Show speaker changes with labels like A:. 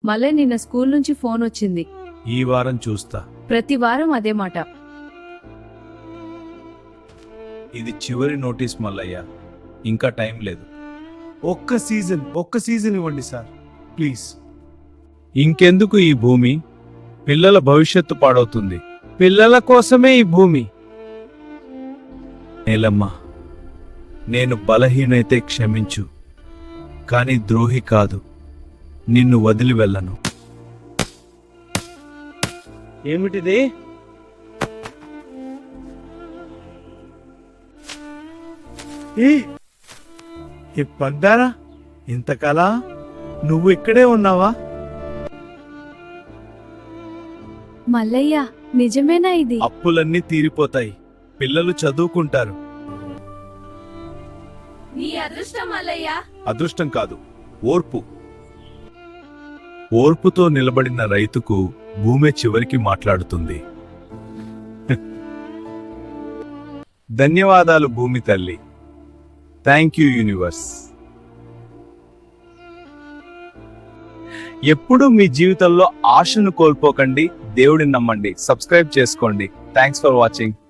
A: మళ్ళీ నిన్న స్కూల్ నుంచి ఫోన్ వచ్చింది.
B: ఈ వారం చూస్తా.
A: ప్రతి వారం అదే మాట.
B: ఇది చివరి నోటీస్ మల్లయ్య, ఇంకా టైం లేదు.
C: ఒక్క సీజన్ ఇవ్వండి సార్ ప్లీజ్.
B: ఇంకెందుకు ఈ భూమి? పిల్లల భవిష్యత్తు పాడవుతుంది. పిల్లల కోసమే ఈ భూమి. నేలమ్మ, నేను బలహీనైతే క్షమించు, కానీ ద్రోహి కాదు. నిన్ను వదిలి వెళ్ళను.
C: ఏమిటిది? ఈ పగ్గారా, ఇంతకాలా నువ్వు ఇక్కడే ఉన్నావా?
A: మల్లయ్య, నిజమేనా ఇది?
B: అప్పులన్నీ తీరిపోతాయి, పిల్లలు చదువుకుంటారు.
A: నీ అదృష్టం మల్లయ్య.
B: అదృష్టం కాదు, ఓర్పు. ఓర్పుతో నిలబడిన రైతుకు భూమే చివరికి మాట్లాడుతుంది. ధన్యవాదాలు భూమి తల్లి. Thank you universe. ఎప్పుడూ మీ జీవితంలో ఆశను కోల్పోకండి. దేవుడిని నమ్మండి. సబ్స్క్రైబ్ చేసుకోండి. Thanks for watching.